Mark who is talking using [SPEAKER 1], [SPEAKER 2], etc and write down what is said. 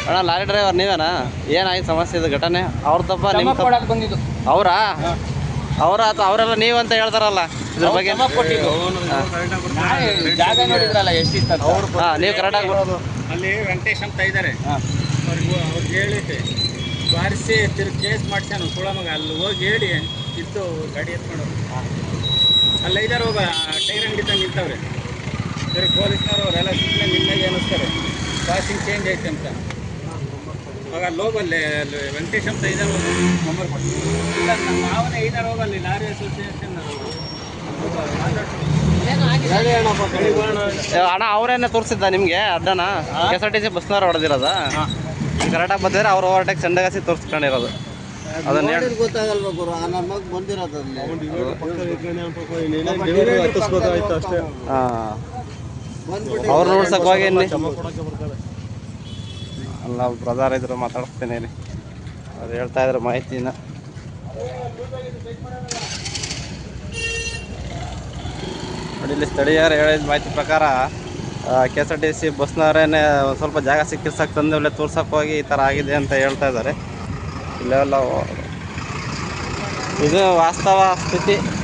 [SPEAKER 1] ಅಣ್ಣ lorry driver ನೀವೇನಾ? ಏನಾಯ್ತು ಸಮಸ್ಯೆ ಇದು ಘಟನೆ? ಅವ್ರ ತಪ್ಪ ನಿಮ್ಮ ತಪ್ಪ
[SPEAKER 2] ಬಂದಿದ್ದು
[SPEAKER 1] ಅವರಾ? ಅವರೆಲ್ಲ ನೀವು ಅಂತ ಹೇಳ್ತಾರಲ್ಲ ಇದ್ರ ಬಗ್ಗೆ.
[SPEAKER 2] ಜಾಗ ನೋಡಿದ್ರಲ್ಲ ಎಷ್ಟಿತ್ತು.
[SPEAKER 1] ನೀವು ಕರೆಕ್ಟಾಗಿ
[SPEAKER 3] ಅಲ್ಲಿ ವೆಂಕಟೇಶ್ ಅಂತ ಇದ್ದಾರೆ, ಅವ್ರಿಗೆ ಹೇಳಿದ್ದೆ ಬಾರಿಸಿ ತಿರುಗಿ ಕೇಸ್ ಮಾಡ್ಸ್ಯಾನು ಸುಳ ಮಗ. ಅಲ್ಲಿ ಹೋಗಿ ಹೇಳಿ ಇತ್ತು ಗಾಡಿ ಎತ್ಕೊಂಡು ಅಲ್ಲಿ ಇದ್ದಾರೆ. ಹೋಗ ಟೈರ್ ಅಂಗಡಿ ತಂದು ನಿಂತವ್ರೆ. ತಿರುಗಿ ಪೊಲೀಸ್ನವ್ರು ಅವರೆಲ್ಲ ಸುಮ್ಮನೆ ನಿನ್ನಾಗೆ ಅನ್ನಿಸ್ತಾರೆ ಪಾಸಿಂಗ್ ಚೇಂಜ್ ಐತೆ ಅಂತ. ಆಗ ಅಲ್ಲಿ ಹೋಗಲ್ಲಿ ಅಲ್ಲಿ ವೆಂಕಟೇಶ್ ಅಂತ ಇದ್ದಾರೆ, ನಂಬರ್ ಕೊಟ್ಟು ಇಲ್ಲ ನಮ್ಮ ಮಾವನೇ ಇದ್ದಾರೆ. ಹೋಗಲ್ಲಿ ಲಾರಿ ಅಸೋಸಿಯೇಷನ್
[SPEAKER 1] ಅಣ್ಣ ಅವರೇನೆ ತೋರಿಸಿದ್ದ ನಿಮಗೆ ಅಡ್ಡನ? KSRTC ಬಸ್ನವ್ರು ಹೊಡೆದಿರೋದ? ಕರೆಕ್ಟಾಗಿ ಬಂದಿದ್ರೆ ಅವ್ರು ಓವರ್ಟೇಕ್ ಸಂಡಗಾಸಿ ತೋರಿಸ್ಕೊಂಡಿರೋದು. ಅದನ್ನ
[SPEAKER 2] ಗೊತ್ತಾಗಲ್ವ ಗುರು, ನಮಗೆ ಬಂದಿರೋದು.
[SPEAKER 1] ಅವ್ರು ನೋಡ್ಸಕ್ ಹೋಗಿ ಅಲ್ಲ ಬ್ರದರ್ ಇದ್ರು ಮಾತಾಡಿಸ್ತೇನೆ ರೀ. ಅವ್ರು ಹೇಳ್ತಾ ಇದ್ರು ಮಾಹಿತಿನ. ನೋಡಿ ಇಲ್ಲಿ ಸ್ಥಳೀಯರು ಹೇಳಿದ ಮಾಹಿತಿ ಪ್ರಕಾರ KSRTC ಬಸ್ನವರೇನೆ ಒಂದು ಸ್ವಲ್ಪ ಜಾಗ ಸಿಕ್ಕಿಸಕ್ಕೆ ತಂದು ಒಳ್ಳೆ ತೋರ್ಸಕ್ಕೆ ಹೋಗಿ ಈ ಥರ ಆಗಿದೆ ಅಂತ ಹೇಳ್ತಾ ಇದ್ದಾರೆ. ಇಲ್ಲೆಲ್ಲ ಇದು ವಾಸ್ತವ ಸ್ಥಿತಿ.